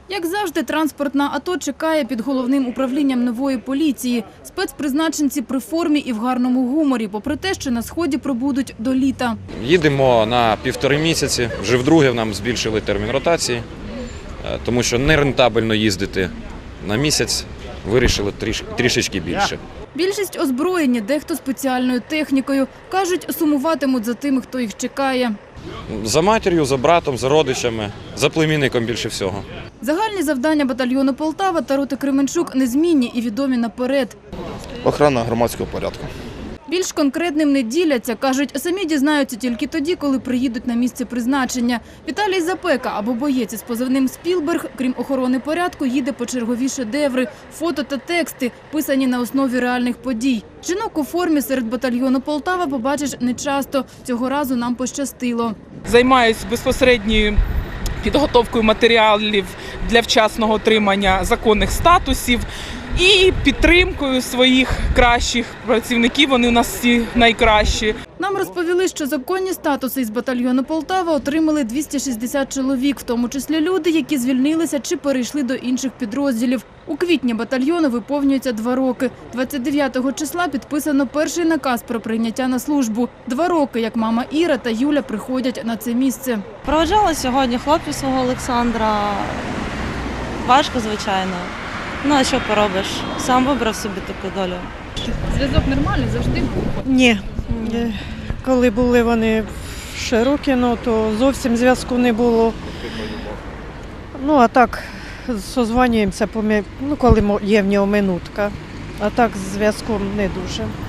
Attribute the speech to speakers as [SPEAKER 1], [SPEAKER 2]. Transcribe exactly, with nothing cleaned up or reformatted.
[SPEAKER 1] Як завжди, транспортна АТО чекає під головним управлінням нової поліції. Спецпризначенці при формі і в гарному гуморі, попри те, що на Сході пробудуть до літа.
[SPEAKER 2] Їдемо на півтори місяці. Вже вдруге нам збільшили термін ротації, тому що нерентабельно їздити на місяць, вирішили тріш, трішечки більше.
[SPEAKER 1] Більшість озброєні, дехто спеціальною технікою. Кажуть, сумуватимуть за тими, хто їх чекає.
[SPEAKER 2] За матір'ю, за братом, за родичами, за племінником більше всього.
[SPEAKER 1] Загальні завдання батальйону Полтава та роти Кременчук незмінні і відомі наперед.
[SPEAKER 3] Охорона громадського порядку.
[SPEAKER 1] Більш конкретним не діляться. Кажуть, самі дізнаються тільки тоді, коли приїдуть на місце призначення. Віталій Запека або боєць із позивним «Спілберг», крім охорони порядку, їде по чергові шедеври, фото та тексти, писані на основі реальних подій. Жінок у формі серед батальйону Полтава побачиш нечасто. Цього разу нам пощастило.
[SPEAKER 4] Займаюся безпосередньою підготовкою матеріалів для вчасного отримання законних статусів і підтримкою своїх кращих працівників. Вони у нас всі найкращі.
[SPEAKER 1] Нам розповіли, що законні статуси із батальйону Полтава отримали двісті шістдесят чоловік, в тому числі люди, які звільнилися чи перейшли до інших підрозділів. У квітні батальйону виповнюється два роки. двадцять дев'ятого числа підписано перший наказ про прийняття на службу. Два роки, як мама Іра та Юля приходять на це місце.
[SPEAKER 5] Проводжала сьогодні хлопця свого Олександра. Важко, звичайно. Ну, а що поробиш? Сам вибрав собі таку долю.
[SPEAKER 1] Зв'язок нормальний, завжди був?
[SPEAKER 6] Ні. Коли були вони в Широкіно, то зовсім зв'язку не було. Ну, а так, созванюємося, ну, коли є в нього минутка. А так з зв'язком не дуже.